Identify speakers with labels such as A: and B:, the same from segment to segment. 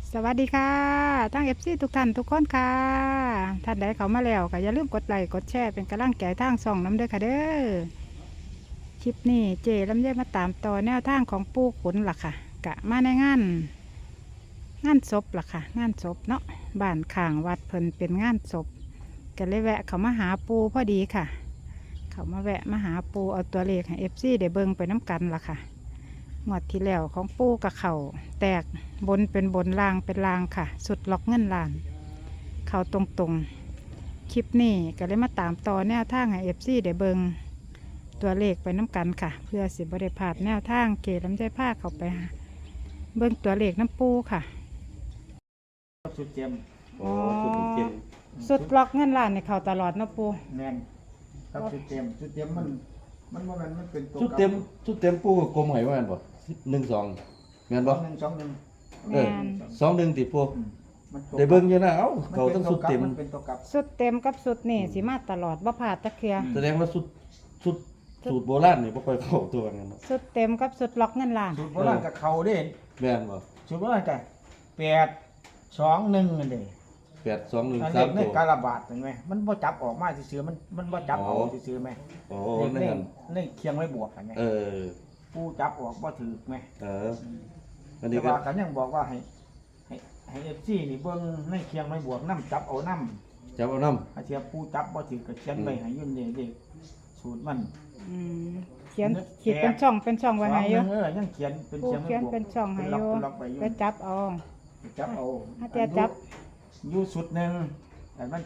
A: สวัสดีค่ะทั้งFCทุกท่านทุกคนค่ะท่านใดเขามาแล้วก็อย่าลืมกดไลค์กดแชร์เป็นกำลังใจทางส่องน้ำเด้อค่ะเด้อคลิปนี้เจลำไยมาตามต่อแนวทางของปู่ขุนล่ะค่ะกะมาในงานศพล่ะค่ะงานศพเนาะบ้านข้างวัดเพิ่นเป็นงานศพก็เลยแวะเขามาหาปู่พอดีค่ะ เขามาแวะมาหาปู่เอาตัวเลขให้ FCได้เบิ่งไปน้ำกันล่ะค่ะงวดที่แล้วของปู่กับเขาแตกบนเป็นบนล่างเป็นล่างค่ะ สุดล็อกเงินล้าน เขาตรงๆคลิปนี้ก็เลยมาตามต่อแนวทางให้ FC ได้เบิงตัวเลขไปน้ำกันค่ะ เพื่อสิบริพลาดแนวทางเกลำใจผ้าเขาไปหาเบิงตัวเลขน้ำปูค่ะ
B: ครับสุดเจียม
A: อ๋อ
C: เจ็ด
A: สุดล็อกเงินล้านในเขาตลอดเนาะปู
B: แมนครับสุดเจียมมันว่ามันเป็นตัว
C: ชุดเต็มปูกับกลมไหวว่าแม่นบ่1-2แม่นบ่
B: 2-1
A: แมน
C: 2-1ติปู
B: มันตัว
C: ได้เบิ่งอยู่นะเอ้า
B: มัน
C: เขาต้องชุดเต็ม
B: มันเป็นตัวกลับ
A: สุดเต็มกับสุดนี่สิมาตลอดบ่พลาดตะเคีย
C: แสดงว่าชุดสูตรโบราณนี่บ่ค่อยเข้าตัวกันเนาะ
A: สุดเต็มกับสุดล็อกเงินล้าน
B: สูตรโบราณกับเขาเด้
C: แม่นบ่
B: สูตรโบราณกับ8-2-1นั่นเด้
C: 8-2-1
B: อัน
C: 3
B: นี้ใน
C: ตัว
B: การระบาดเห็นไหมมันบ่จับออกมาซื่อๆมันบ่จับเอาซื่อๆไหม
C: โอ้
B: ใน
C: นั่น
B: ในเคียงไว้บวกกันไหม
C: เออ
B: ผู้จับออกบ่ถือไหม
C: อัน
B: แต่
C: นี้ก็
B: ว่ากันยังบอกว่าให้ FC นี่เบิ่งในเคียงไว้บวกนำจับเอานำ
C: จับเอานำ
B: อาเทียบผู้จับบ่ถือก็เขียนไว้ให้ยุ่นเด็กสูตรมัน
A: อืมเขียนขีดเป็นช่องไว้ให้อยู่
B: ยังเขียนเป็น
A: ปู
B: เขียน
A: เขียนเป็นช่องให้อยู่
B: ล็อกไปอยู่
A: ไปจับเอา
B: จับเอา
A: ถ้าจะจับ
B: อยู่สุดหนึ่งแต่มัน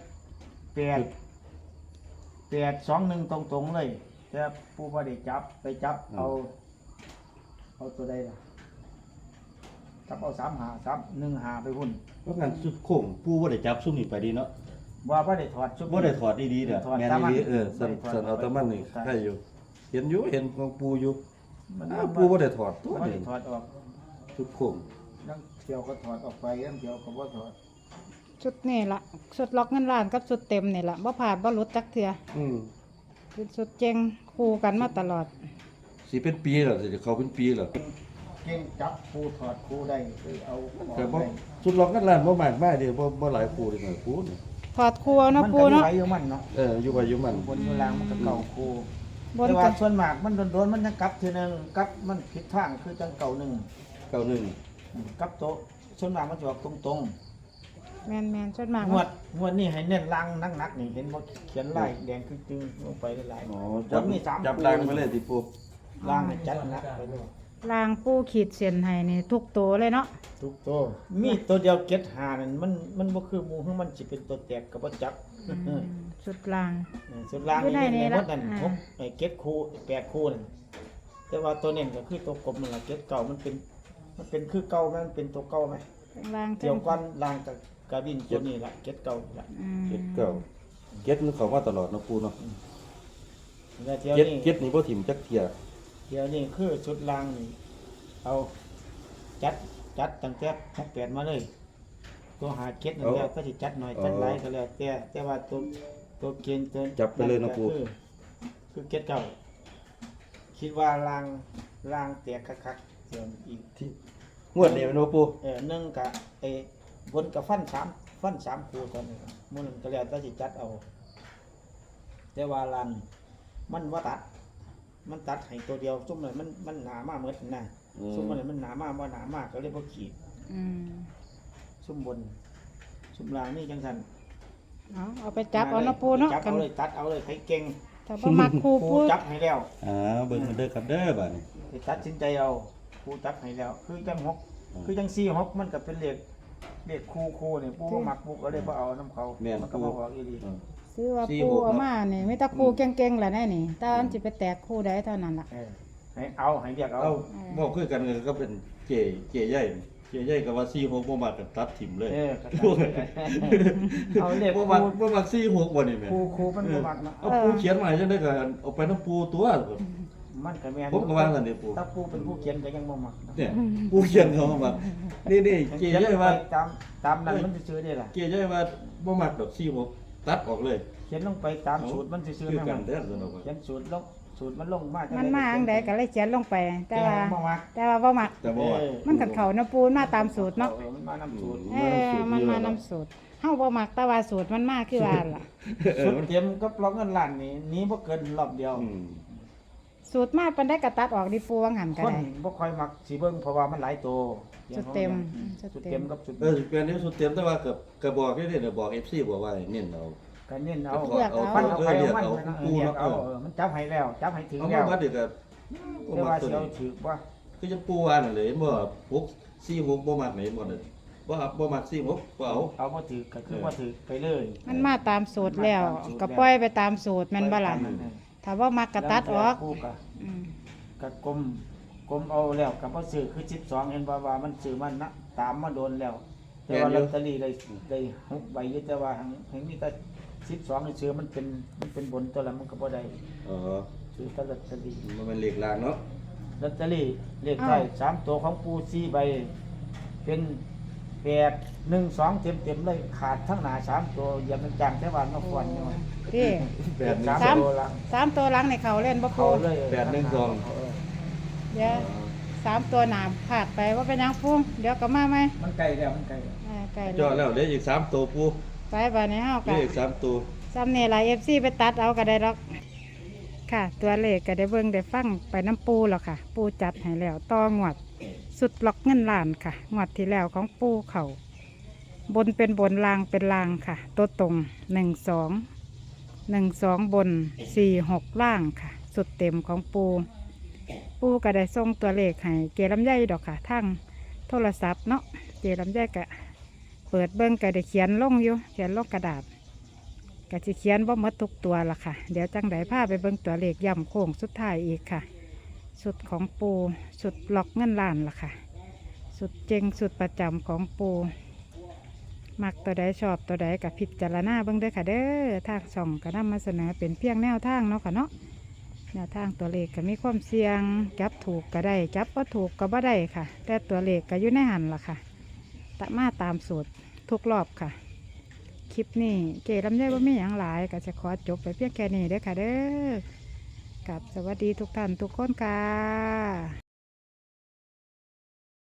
B: 8-2-1ตรงๆเลยแต่ผู้บ่ได้จับไปจับเอาตัวใดล่ะจับเอา3-1-5ไปหุ่น
C: เพราะงั้นชุดโค้งปูบ่ได้จับซุมนี้ไปดีเนาะ
B: ว่าบ่ได้ถอดชุด
C: บ่ได้ถอดดีๆเด้อ
B: ถอด
C: แม่น
B: ตามมัน
C: ดีสั่นเอาตะมันนี่ใช่อยู่เห็นของปูอยู่
B: มัน
C: ปูบ่ได้ถอดตัว
B: บ่
C: นี่
B: ได้ถอดออก
C: ชุดโค้ง
B: นั่งเที่ยวก็ถอดออกไปนั่งเที่ยวก็บ่ถอด
A: ชุดนี่ละชุดล็อกเงินล้านกับชุดเต็มนี่ละบ่ผ่านบ่หลุดจักเทื่อ
C: อืม
A: เป็นชุดเจงคู่กันมาตลอด
C: สิเป็นปีแล้วสิเขาเป็นปีแล้ว
B: เก่งจับครูถอดครูได้คือเอาออก
C: แต่บ่
B: ได้
C: สุดล็อกกันล้านบ่มากมายเด้บ่หลายคู่เด้อคู่นี่
A: ถอดคู่เอาเนาะปู
B: มั
A: เนาะ
B: ก็อยู่ไว้อยู่มันเนาะ
C: อยู่ไปอยู่มัน
B: บนอยู่ล่างมันก็เก่าครู
A: บน
B: แต่
A: กั
B: ว่าน ส่วนมากมันโดนๆมันจะกลับทีนึงกลับมันผิดทางคือจังเก่าหนึ่ง
C: 91
B: กลับโตะส่วนมากมันจะออกตรง
A: แมนส่วนมาก
B: ๆงวดนี้ให้เน้นล่างนักๆนี่เห็นบ่เขียนลายแดงคือจึงลงไปหลาย
C: อ๋อ
B: ๆ
C: จับ
B: มี3
C: จับล่างไปเลยติปู
B: ล่างให้จัดหนักไปเลย
A: ลางปูขีดเส้นให้นี่ทุกตัวเลยเนาะ
B: ทุกตัวมีตัวเดียวเก็ดหานั่นมันบ่คือหมู่คือมันสิเป็นตัวแตกก็บ่จับ
A: ชุดลาง
B: ส่วนล่าง
A: อยู่
B: นี่
A: ใน
B: ใน
A: นี้
B: หม
A: ละ
B: ดนั่น
A: อ่า
B: หกไอ้เก็ดคู่8คู่นั่นแต่ว่าตัวเน้นก็คือตัวกลมนั่นล่ะเก็ดเก่ามันเป็นคือเก่าไหมมันเป็นตัวเก่าไหม
A: ลาง
B: เกี่ยวกันล่างกับกาบินตัวนี้ล่ะเก็ดเก่าล่ะ
C: เก็ดเก่าเก็ดมันเข้ามาตลอดเนาะปูเนาะ
B: แล้วเที่ยว
C: เก็ด
B: นี้
C: เก็ดนี่บ่ถิ่มจักเที่ย
B: เที่ยวนี้คือชุดล่างนี่เอาจัดตั้งแต่68มาเลย ตัวหาเก็ดนั่นแล้วก็สิจัดหน่อยจัดหลายก็แล้วแต่ว่าตัวเกณฑ์ตัว
C: จับไปเลยเนาะปู
B: คือเก็ดเก่าคิดว่าล่างแตกคักๆเสียอีก
C: ที่งวดนี้แม่นบ่ปู
B: หนึ่งกับบนกับฟันสามคู่ตอนนี้มันนก็แล้วแต่สิจัดเอาแต่ว่าลันมันว่าตัด มันตัดให้ตัวเดียวซุ่มเลยมันหนามากเหมือนนะซุ่มเลยมันหนามากว่าหนามากก็เรียกว่าขีด
A: อืม
B: ซุ่มบนซุ่มล่างนี่จังสัน
A: เอาไปจับเอาเนาะปูเนาะ
B: จับ
A: กั
B: เอา
A: น
B: เลยตัดเอาเลยใครเก่ง
A: ถ้าบ่มักคู่
B: ครู
A: ปู
B: จับให้แล้ว
C: เบิ่งกันเด้อครับเด้อบัดนี้
B: ไปตัดสินใจเอาครูจับให้แล้ว คือจังหกคือจัง4 6มันก็เป็นเลขคู่นี่ปูบ่มักปูก็เลยบ่เอาน้ำเขา
C: แม่น
B: มันก็
C: ปู
B: บ่ออกอีหลี
A: ซื้อว่าปูเอามานี่มีแต่คู่เก่งๆแหละแน่นี่แต่อันสิไปแตกคู่ใดเท่านั้นล่ะ
B: ให้เรียกเอา
C: เอาบอกคือกันก็เป็นเก๋ใหญ่ก็ว่า46บ่มักก็ตัดถิ่มเลย
B: ก็เอาเลข
C: บ่มัก46บ่นี่แม่
B: ครูมันบ่มักเนาะ
C: เอาปูเขียนมาจังได๋ก็เอาไปน้ำปูตัว
B: มันก็แม่น
C: ผมก็ว่าซั่นนี่ปู
B: ถ้าปูเป็นผู้เขียนก็ยังบ่มักเนาะ
C: เนี่ยปูเขียนเขามานี่เก๋ใหญ่ว่า
B: ตามนั้นมันซื่อๆนี่ล่ะ
C: เก๋ใหญ่ว่าบ่มักดอก46ตัดออกเลย
B: เขียนลงไปตามสูตรมันซื่อ
C: คือ
B: ๆนั่น
C: กั
B: มัน น
C: เด้อซั่นเนาะ
B: เขียนสูตรลงสูตรมันลงมา
A: มันมาอังใดก็เลยเขียนลงไป แต่ว่า
B: บ่มัก
A: บ่มัก
C: แต่บ่ว่า
A: มันกัดเขานะปูนมาตามสูตรเนาะ
B: มันมานำสูตร
A: มันมานำสูตรเฮาบ่มักแต่ว่าสูตรมันมาคือว่าล่ะ
B: สูตรเต็มกับล็อกเงินล้านนี่หนี้บ่เกินรอบเดียว
C: อืม
A: สูตรมาปานได้กระตัดออกดิปูวังหันก็
B: คน
A: ได้
B: บ่ค่อยมักสิเบิ่งเพราะว่ามันหลายตัว
A: สูตรเต็ม
B: สูตรเต็มกับสูตร
C: สิเป็นนิ้วสุดเต็มแต่ว่ากับบอกได้เนี่ยบอก FC บอกว่าให้เน้นเอา
B: ก็เน้นเอา
A: เลือกเอา
B: ฟันเอาไปเอามัน
C: เอา
B: เลือกเอามันจับให้แล้วจับให้ถึง
C: เอา
B: แล้
C: มาว บัดเด็กก็บ่
B: แต่
C: มั
B: ว่าก
C: ตัว
B: สิเอา
C: นี้
B: ถือว่า
C: คือจะปูว่านั่นเลยบ่6 4 6บ่มักไหนบ่ได้บ่มัก4 6บ่เอา
B: เอาบ่ถือก็คือบ่ถือไปเลย
A: มันมาตามสูตรแล้วก็ปล่อยไปตามสูตรแม่นบ่ล่ะถ้าว่ามักกระตัดออก
B: แล้วแต่ผู้ก็
A: อืม
B: ก็กลมเอาแล้วก็บ่ซื้อคือ12เห็นว่ามันซื้อมันนะตามมาโดนแล้ว แต่ว่าลอตเตอรี่ได้6ใบอยู่แต่ว่าหังมีแต่12นี่ซื้อมันเป็นบนตัวละมันก็บ่ได้
C: อ๋อ
B: ซื้อแต่ลอตเตอรี่
C: มันเป็นเลขลางเนาะ
B: ลอตเตอรี่เลขท้าย3ตัวของปู4ใบเป็น8 1 2เต็มๆเลยขาดทั้งหน้า3ตัวอย่ามันจังแต่ว่ามาฟอนนี่ว่า
A: พี่
C: 8
B: สาม
C: 1
B: ตัวละ
A: 3ตัวหลังในเขาเล่นบ่
B: เขา
A: ปู
B: เลย
A: เดี๋ยว3ตัวหนามผากไปว่าเป็นหยังปูเดี๋ยวก็มาไหม
B: มันไกลแล้วมันไกล
A: ไกล
C: จอแล้วเหลืออีก3ตัวปู
A: ไปบัดนี้เฮา
C: เหลื
A: ก็
C: ออีก3ตัว
A: ซ้ำนี่ล่ะ FC ไปตัดเอาก็ได้ดอกค่ะ ตัวเลขก็ได้เบิ่งได้ฟังไปน้ำปูแล้วค่ะ ปูจัดให้แล้วต่องวด สุดล็อกเงินล้านค่ะงวดที่แล้วของปูเขาบนเป็นบนลางเป็นลางค่ะ ตัวตรง12บน46ล่างค่ะ สุดเต็มของปูก็ได้ส่งตัวเลขให้เกลำไยดอกค่ะทั้งโทรศัพท์เนาะเกลำไยก็เปิดเบิ้งก็ได้เขียนลงอยู่เขียนลงกระดาษก็จะเขียนบ่หมดทุกตัวละค่ะ เดี๋ยวจังไดพาไปเบิ้งตัวเลขย่ำโค้งสุดท้ายอีกค่ะ สุดของปูสุดล็อกเงินล้านล่ะค่ะ สุดเจงสุดประจำของปูมักตัวใดชอบตัวใดกับพิจารณาเบิ่งเด้อค่ะเด้อทางช่องก็นำมาเสนอเป็นเพียงแนวทางเนาะค่ะเนาะแนวทางตัวเลขก็มีความเสี่ยงจับถูกก็ได้จับบ่ถูกก็บ่ได้ค่ะ แต่ตัวเลขก็อยู่ในหันล่ะค่ะมาตามสูตรทุกรอบค่ะ คลิปนี้เจลำไยบ่มีหยังหลายก็จะขอจบไปเพียงแค่นี้เด้อค่ะเด้อกับสวัสดีทุกท่านทุกคนค่ะ